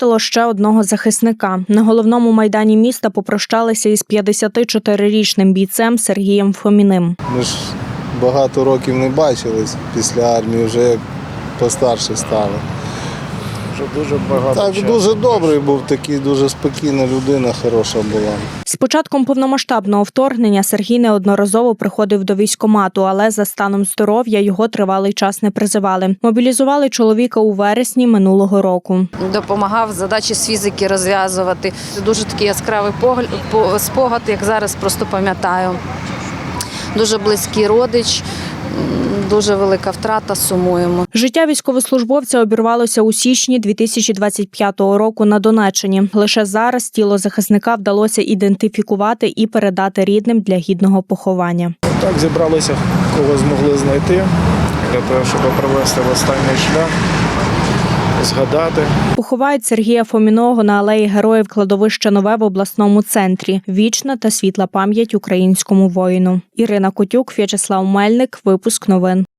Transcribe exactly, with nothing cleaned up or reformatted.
втратило ще одного захисника. На головному майдані міста попрощалися із п'ятдесятичотирирічним бійцем Сергієм Фоміним. Ми ж багато років не бачились після армії, вже як постарше стали. Вже дуже багато Так, часу. дуже добрий був, такий дуже спокійна людина, хороша була. З початком повномасштабного вторгнення Сергій неодноразово приходив до військкомату, але за станом здоров'я його тривалий час не призивали. Мобілізували чоловіка у вересні минулого року. Допомагав задачі з фізики розв'язувати. Дуже такий яскравий погляд, спогад, як зараз просто пам'ятаю. Дуже близький родич. Дуже велика втрата, сумуємо. Життя військовослужбовця обірвалося у січні дві тисячі двадцять п'ятого року на Донеччині. Лише зараз тіло захисника вдалося ідентифікувати і передати рідним для гідного поховання. Так зібралися, кого змогли знайти, для того, щоб провести в останній шлях, згадати. Поховають Сергія Фоміного на алеї Героїв кладовища Нове в обласному центрі. Вічна та світла пам'ять українському воїну. Ірина Котюк, В'ячеслав Мельник. Випуск новин.